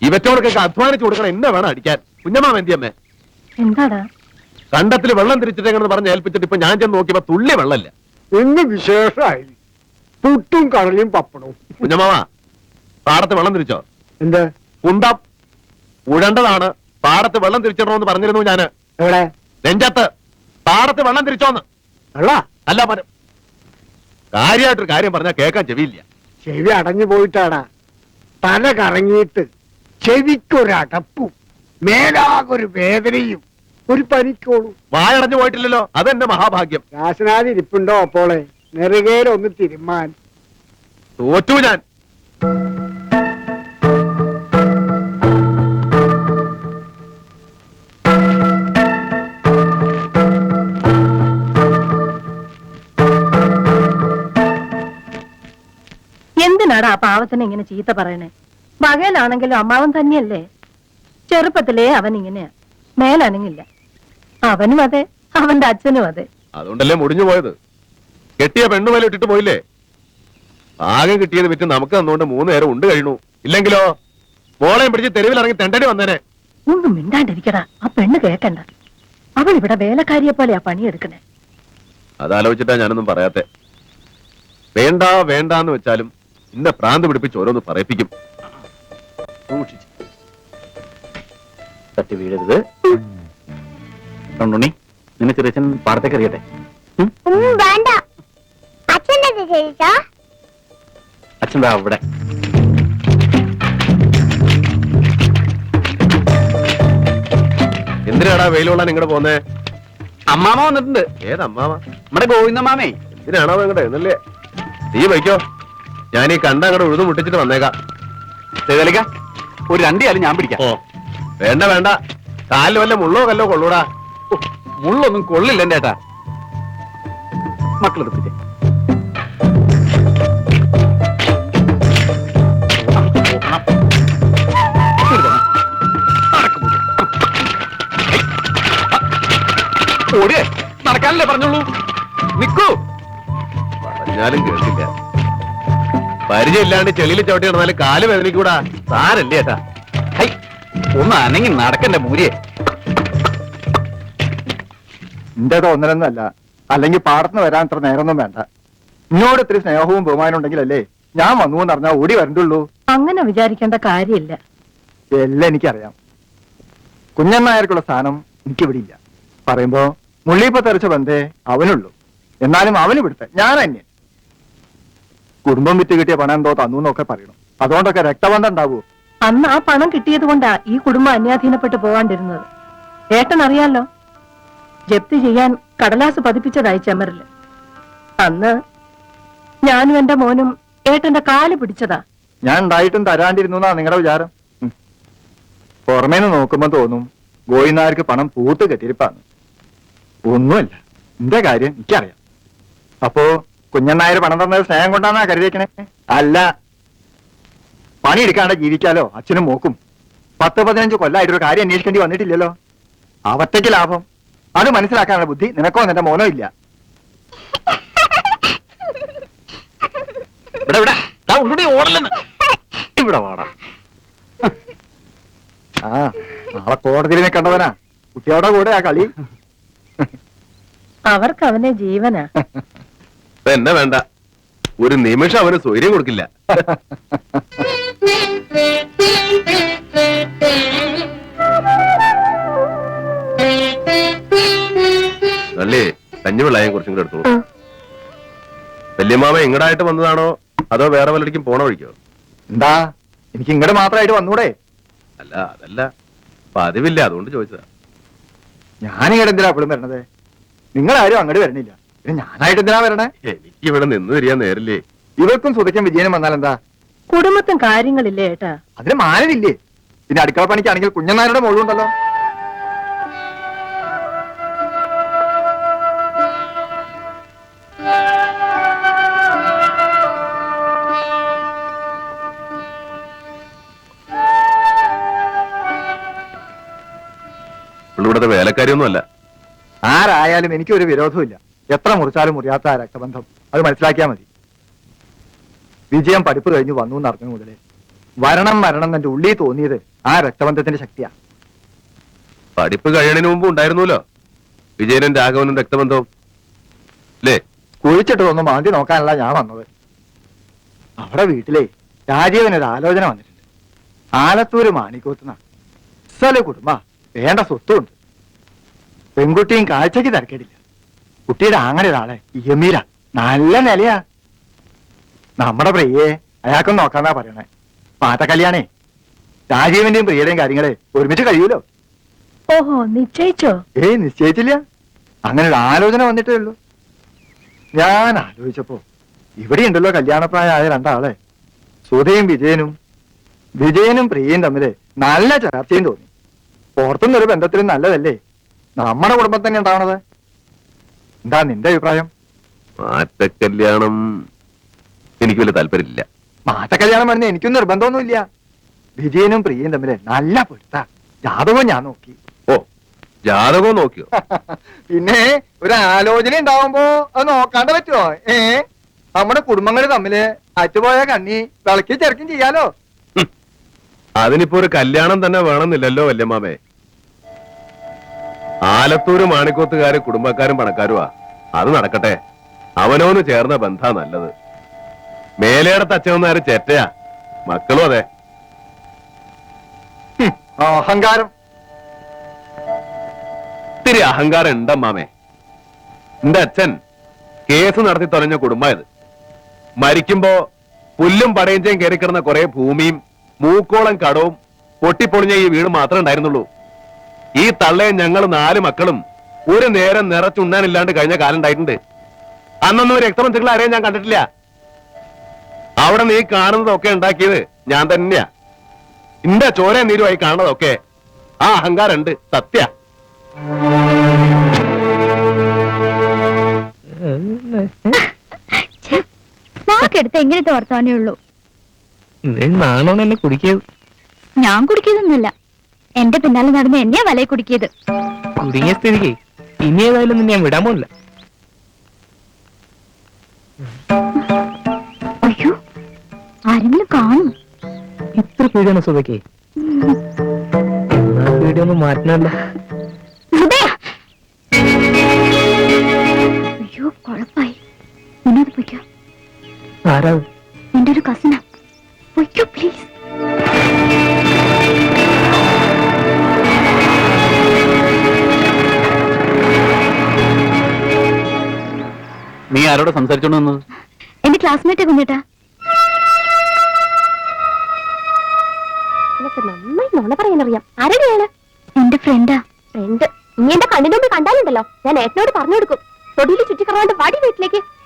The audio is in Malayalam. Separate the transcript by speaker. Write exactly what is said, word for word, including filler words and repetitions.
Speaker 1: ഇവറ്റോടൊക്കെ അധ്വാനിച്ചു കൊടുക്കണം. എന്നെ വേണം അടിക്കാൻ. കുഞ്ഞമ്മാമ എന്തിയമ്മേ?
Speaker 2: എന്താടാ?
Speaker 1: കണ്ടത്തിൽ വെള്ളം തിരിച്ചിട്ടെന്ന് പറഞ്ഞ് ഏൽപ്പിച്ചിട്ട് ഇപ്പൊ ഞാൻ ചെന്ന് നോക്കിയപ്പോ തുള്ളി വെള്ളമില്ല.
Speaker 3: ഇന്ന് വിശേഷമായി പുട്ടും കടലയും പപ്പടവും.
Speaker 1: കുഞ്ഞമ്മാവ, പാടത്ത് വെള്ളം തിരിച്ചോ?
Speaker 3: എന്ത്
Speaker 1: കുന്തം ഉഴണ്ടതാണ്. പാടത്ത് വെള്ളം തിരിച്ചിടണമെന്ന് പറഞ്ഞിരുന്നു ഞാന്.
Speaker 3: എവിടെ?
Speaker 1: നെഞ്ചത്ത്. പാടത്ത് വെള്ളം തിരിച്ചോന്ന്.
Speaker 3: വെള്ള
Speaker 1: അല്ല പരം കാര്യമായിട്ടൊരു കാര്യം പറഞ്ഞാൽ കേൾക്കാൻ ചെവിയില്ല.
Speaker 3: ചെവി അടഞ്ഞു പോയിട്ടാടാ. തല കറങ്ങിയിട്ട് ചെവിക്കൊരടപ്പും മേലാകൊരു വേദനയും ഒരു പനിക്കോളും.
Speaker 1: വായടഞ്ഞു പോയിട്ടില്ലല്ലോ, അതെന്റെ മഹാഭാഗ്യം.
Speaker 3: രാസനാഥി ഇരിപ്പുണ്ടോ അപ്പോളെ? നെറുകയിലൊന്ന് തിരുമാൻ.
Speaker 1: തോറ്റു ഞാൻ.
Speaker 2: എന്തിനാടാ ആ പാവത്തിനെ ഇങ്ങനെ ചീത്ത പറയണേ? പകലാണെങ്കിലും അമ്മാവൻ തന്നെയല്ലേ. ചെറുപ്പത്തിലേ അവൻ ഇങ്ങനെയാ, മേലനങ്ങില്ല. അവനും അതെ, അവന്റെ അച്ഛനും അതെ.
Speaker 1: അതുകൊണ്ടല്ലേ മുടിഞ്ഞു പോയത്. കെട്ടിയ പെണ്ണുമല ഇട്ടിട്ട് പോയില്ലേ? ആകെ കിട്ടിയത് വിറ്റ് നമുക്ക് തന്നുകൊണ്ട് മൂന്ന് നേരം ഉണ്ട് കഴിഞ്ഞു. ഇല്ലെങ്കിലോ മോളെയും പിടിച്ച് തെരുവിലിറങ്ങി തെണ്ടടി വന്നേനെ.
Speaker 2: ഒന്നും മിണ്ടാണ്ടിരിക്കടാ. ആ പെണ്ണ് കേക്കണ്ട. അവൾ ഇവിടെ വേലക്കാരിയെ പോലെയാ പണിയെടുക്കണേ.
Speaker 1: അതാലോചിച്ചിട്ടാ ഞാനൊന്നും പറയാത്തെ. വേണ്ട വേണ്ടാന്ന് വെച്ചാലും ഇന്ന പ്രാന്ത് പിടിപ്പിച്ച് ഓരോന്ന് പറയിപ്പിക്കും. സൂക്ഷിച്ച് തട്ടി വീഴരുത്. കണ്ടുണ്ണി, നിന്നെ ചെറിയച്ഛൻ പാടത്തേക്ക് അറിയട്ടെ. അച്ഛൻ അവിടെ. എന്തിനാടാ വെയിലുള്ള നിങ്ങടെ പോന്നേ?
Speaker 4: അമ്മാമ വന്നിട്ടുണ്ട്.
Speaker 1: ഏതമ്മാമ?
Speaker 4: നമ്മുടെ ഗോവിന്ദമാമേ.
Speaker 1: എന്തിനാണോ നിങ്ങടെ എന്നല്ലേ? നീ വയ്ക്കോ, ഞാൻ ഈ കണ്ട അങ്ങോട്ട് ഉഴുതു മുട്ടിച്ചിട്ട് വന്നേക്കാം.
Speaker 4: ചെയ്തലിക്ക ഒരു രണ്ടിയാലും ഞാൻ പിടിക്കാം.
Speaker 1: ഓ വേണ്ട വേണ്ട, കാലിൽ വല്ല മുള്ളോ കല്ലോ കൊള്ളൂടാ.
Speaker 4: മുള്ളൊന്നും കൊള്ളില്ല എന്റെ ഏട്ടാ. മക്കളെടുപ്പിച്ചേ. ഓടിയേ, നടക്കാനല്ലേ പറഞ്ഞോളൂ. നിക്കൂ.
Speaker 1: പറഞ്ഞാലും കേട്ടില്ല. പരിചയമില്ലാണ്ട് ചെളിയിൽ ചവിട്ടി നടന്നാലും കാല് വേദനിക്കൂടാ. സാരല്ലേ ഏട്ടാ.
Speaker 4: ഹൈ, ഒന്ന് അനങ്ങി നടക്കണ്ടേ മൂരിയെ.
Speaker 5: എന്റെ തോന്നലൊന്നുമല്ല. അല്ലെങ്കിൽ പാടത്തിന് വരാൻ അത്ര നേരമൊന്നും വേണ്ട. ഇന്നോട് ഇത്തിരി സ്നേഹവും ബഹുമാനം ഉണ്ടെങ്കിലല്ലേ ഞാൻ വന്നു എന്ന് പറഞ്ഞാൽ ഓടി വരണ്ടുള്ളൂ.
Speaker 2: അങ്ങനെ വിചാരിക്കേണ്ട കാര്യമില്ല.
Speaker 5: എല്ലാം എനിക്കറിയാം. കുഞ്ഞന്നായർക്കുള്ള സ്ഥാനം എനിക്കിവിടെ ഇല്ല. പറയുമ്പോ മുള്ളിപ്പ തെറിച്ച ബന്ധേ അവനുള്ളൂ. എന്നാലും അവന് വിടുത്തെ ഞാൻ അന്യൻ. കുടുംബം വിറ്റ് കിട്ടിയ പണം എന്തോ തന്നു എന്നൊക്കെ പറയണം. അതുകൊണ്ടൊക്കെ രക്തബന്ധം ഉണ്ടാവൂ.
Speaker 2: അന്ന് ആ പണം കിട്ടിയത് കൊണ്ടാ ഈ കുടുംബം അന്യാധീനപ്പെട്ട് പോവാണ്ടിരുന്നത്. ഏട്ടൻ അറിയാലോ, ജപ്തി ചെയ്യാൻ കടലാസ് പതിപ്പിച്ചതായി ചെമ്മറില്. അന്ന് ഞാനും എന്റെ മോനും ഏട്ടന്റെ കാല് പിടിച്ചതാ.
Speaker 5: ഞാൻ ഉണ്ടായിട്ടും തരാണ്ടിരുന്നു എന്നാ നിങ്ങളുടെ വിചാരം. പുറമേന്ന് നോക്കുമ്പോ തോന്നും ഗോയിനാർക്ക് പണം പൂത്ത് കെട്ടിരിപ്പാന്ന്. ഒന്നുമല്ല, എന്റെ കാര്യം എനിക്കറിയാം. അപ്പോ കുഞ്ഞന്നായർ പണം തന്നത് സ്നേഹം കൊണ്ടാന്നാ കരുതിയേക്കണേ? അല്ല, പണിയെടുക്കാണ്ട് ജീവിക്കാലോ അച്ഛനും മോക്കും. പത്ത് പതിനഞ്ച് കൊല്ലായിട്ടൊരു കാര്യം അന്വേഷിക്കേണ്ടി വന്നിട്ടില്ലല്ലോ. അവറ്റയ്ക്ക് ലാഭം. അത് മനസ്സിലാക്കാനുള്ള ബുദ്ധി നിനക്കോ നിന്റെ മോനോ ഇല്ല.
Speaker 1: ഇവിടെ വാടാ.
Speaker 5: ആ നാളെ കോടതിയിൽ കണ്ടവനാ കുട്ടിയോടെ കൂടെ ആ കളി.
Speaker 2: അവർക്ക് അവനെ ജീവനാ.
Speaker 1: എന്നെ വേണ്ട, ഒരു നിമിഷം അവന് സ്വൈര്യം കൊടുക്കില്ല. നല്ലേ കഞ്ഞിവെള്ളായും കുറച്ചും കൂടെ എടുത്തോളൂ. വല്യമാമ ഇങ്ങടായിട്ട് വന്നതാണോ അതോ വേറെ വല്ലടിക്കും പോണ വഴിക്കോ?
Speaker 5: എന്താ എനിക്ക് ഇങ്ങോട്ട് മാത്രമായിട്ട് വന്നൂടെ?
Speaker 1: അല്ല അതല്ല, പതിവില്ല, അതുകൊണ്ട് ചോദിച്ചതാ.
Speaker 5: ഞാനിങ്ങടെ എന്തിനാ എപ്പോഴും വരണത്? നിങ്ങളാരും അങ്ങോട്ട് വരണില്ല, പിന്നെ ഞാനായിട്ട് എന്തിനാ വരണേ?
Speaker 1: എനിക്ക് ഇവിടെ നിന്ന് തിരിയാൻ നേരില്ലേ.
Speaker 5: ഇവർക്കും സുതയ്ക്കും വിജയനും വന്നാൽ എന്താ?
Speaker 2: കുടുംബത്തും കാര്യങ്ങളില്ലേ ഏട്ടാ?
Speaker 5: അതിന് മാനവില്ലേ? പിന്നെ അടുക്കള പണിക്കാണെങ്കിൽ കുഞ്ഞന്നാരുടെ മോളുണ്ടല്ലോ.
Speaker 1: ഇവിടുത്തെ വേലക്കാരിയൊന്നും അല്ല.
Speaker 5: ആരായാലും എനിക്കൊരു വിരോധമില്ല. എത്ര മുറിച്ചാലും മുറിയാത്ത ആ രക്തബന്ധം, അത് മനസ്സിലാക്കിയാൽ മതി. വിജയം പഠിപ്പ് കഴിഞ്ഞ് വന്നു എന്നറിഞ്ഞു മുതലേ വരണം വരണം എന്റെ ഉള്ളിൽ തോന്നിയത് ആ രക്തബന്ധത്തിന്റെ ശക്തിയാ.
Speaker 1: പഠിപ്പ് കഴിയണതിന് മുമ്പ് ഉണ്ടായിരുന്നല്ലോ വിജയനും രാഘവനും രക്തബന്ധവും അല്ലേ?
Speaker 5: കുഴിച്ചിട്ടതൊന്നും മാന്തി നോക്കാനല്ല ഞാൻ വന്നത്. അവിടെ വീട്ടിലെ രാജീവനൊരു ആലോചന വന്നിട്ടുണ്ട്. ആലത്തൂര് മാണിക്കോത്തുന്ന സ്ഥല കുടുംബ വേണ്ട സ്വത്തുണ്ട്. പെൺകുട്ടിയും കാഴ്ചക്ക് തിരക്കേടില്ല. കുട്ടിയുടെ ആങ്ങനെ ഒരാളെ യമീര നല്ല നിലയാ. നമ്മുടെ പ്രിയയെ അയാൾക്കും നോക്കാന്നാ പറയണേ. പാട്ട കല്യാണേ രാജീവന്റെയും പ്രിയയുടെയും കാര്യങ്ങളെ ഒരുമിച്ച് കഴിയൂലോ.
Speaker 2: ഓഹോ, നിശ്ചയിച്ചോ?
Speaker 5: ഏയ് നിശ്ചയിച്ചില്ല. അങ്ങനെ ഒരു ആലോചന വന്നിട്ടേ ഉള്ളൂ. ഞാൻ ആലോചിച്ചപ്പോ ഇവിടെ ഉണ്ടല്ലോ കല്യാണപ്രായമായ രണ്ടാളെ, സുധയും വിജയനും. വിജയനും പ്രിയയും തമ്മില് നല്ല ചർച്ചയും തോന്നി. പുറത്തുനിന്നൊരു ബന്ധത്തിലും നല്ലതല്ലേ നമ്മുടെ കുടുംബം തന്നെ ഉണ്ടാവണത്. എന്താ നിന്റെ അഭിപ്രായം?
Speaker 1: മാറ്റക്കല്യാണം എനിക്ക് വലിയ താല്പര്യമില്ല.
Speaker 5: മാറ്റക്കല്യാണം പറഞ്ഞ എനിക്കും നിർബന്ധമൊന്നുമില്ല. വിജയനും പ്രിയയും തമ്മില് നല്ല പൊരുത്ത. ജാതകവും ഞാൻ നോക്കി.
Speaker 1: ഓ, ജാതകവും നോക്കിയോ?
Speaker 5: പിന്നെ ഒരു ആലോചന ഉണ്ടാവുമ്പോ അത് നോക്കാണ്ട് പറ്റുമോ? ഏ നമ്മുടെ കുടുംബങ്ങൾ തമ്മില് അറ്റുപോയ കണ്ണി വിളക്കി ചെറുക്കും ചെയ്യാലോ.
Speaker 1: അതിനിപ്പോ ഒരു കല്യാണം തന്നെ വേണമെന്നില്ലല്ലോ വല്യമ്മാമേ. ആലത്തൂര് മാണിക്കോത്തുകാര് കുടുംബക്കാരും പണക്കാരുമാ. അത് നടക്കട്ടെ. അവനോന്ന് ചേർന്ന ബന്ധാ നല്ലത്. മേലേടത്ത് അച്ഛനാര് ചേറ്റയാ, മക്കളും അതെ.
Speaker 5: ഹും, അഹങ്കാരം.
Speaker 1: ഇത്തിരി അഹങ്കാരം ഉണ്ടമ്മാമേ. എന്റെ അച്ഛൻ കേസ് നടത്തി തൊലഞ്ഞ കുടുംബമായത്. മരിക്കുമ്പോ പുല്ലും പടയഞ്ചയും കയറിക്കിടന്ന കുറെ ഭൂമിയും മൂക്കോളം കടവും പൊട്ടിപ്പൊളിഞ്ഞ ഈ വീട് മാത്രമേ ഉണ്ടായിരുന്നുള്ളൂ. ഈ തള്ളയും ഞങ്ങൾ നാല് മക്കളും ഒരു നേരം നിറച്ചുണ്ണാനില്ലാണ്ട് കഴിഞ്ഞ കാലം ഉണ്ടായിട്ടുണ്ട്. അന്നൊന്നും രക്തബന്ധുക്കളെ ആരെയും ഞാൻ കണ്ടിട്ടില്ല. അവിടെ നീ കാണുന്നതൊക്കെ ഉണ്ടാക്കിയത് ഞാൻ തന്നെയാ. ഇന്റെ ചോര നീരുമായി കാണുന്നതൊക്കെ ആ അഹങ്കാരം ഉണ്ട്, സത്യ.
Speaker 6: നാക്കെടുത്ത് എങ്ങനത്തെ വർത്താനേ ഉള്ളൂ.
Speaker 7: നാണോ എന്നെ കുടിക്കിയത്?
Speaker 6: ഞാൻ കുടിക്കുന്നൊന്നുമില്ല. എന്റെ പിന്നാലെ നടന്ന് എന്നെയാ വലയെ കുടിക്കിയത്.
Speaker 7: കുടുങ്ങിയ സ്ഥിതിക്ക് ഇനി ഏതായാലും നിന്നെ ഞാൻ വിടാൻ പോണില്ല.
Speaker 6: അയ്യോ, ആരെങ്കിലും കാണും.
Speaker 7: ഇത്ര പേടിയാണ് സുഖയ്ക്ക്? എന്നാ പേടിയൊന്നും മാറ്റണല്ലോ.
Speaker 6: അയ്യോ, കുഴപ്പായി. മുന്നോട്ട് പൊയ്ക്കോ.
Speaker 7: ആരാ?
Speaker 6: എന്റെ ഒരു കസിനാ. പൊയ്ക്കോ പ്ലീസ്.
Speaker 4: നീ ആരോട് സംസാരിച്ചോണ്ട് വന്നത്?
Speaker 6: എന്റെ ക്ലാസ്മേറ്റ് കുഞ്ഞേട്ടാ.
Speaker 8: നന്നായി നുണ പറയാനറിയാം. ആരുടെയാണ്?
Speaker 6: എന്റെ ഫ്രണ്ടാ.
Speaker 8: ഫ്രണ്ട്? നീ എന്റെ കണ്ണിന് മുമ്പ് കണ്ടാലുണ്ടല്ലോ, ഞാൻ ഏട്ടനോട് പറഞ്ഞു കൊടുക്കും. തൊടിയിൽ ചുറ്റിക്കറവാണ്ട് പാടി വീട്ടിലേക്ക്.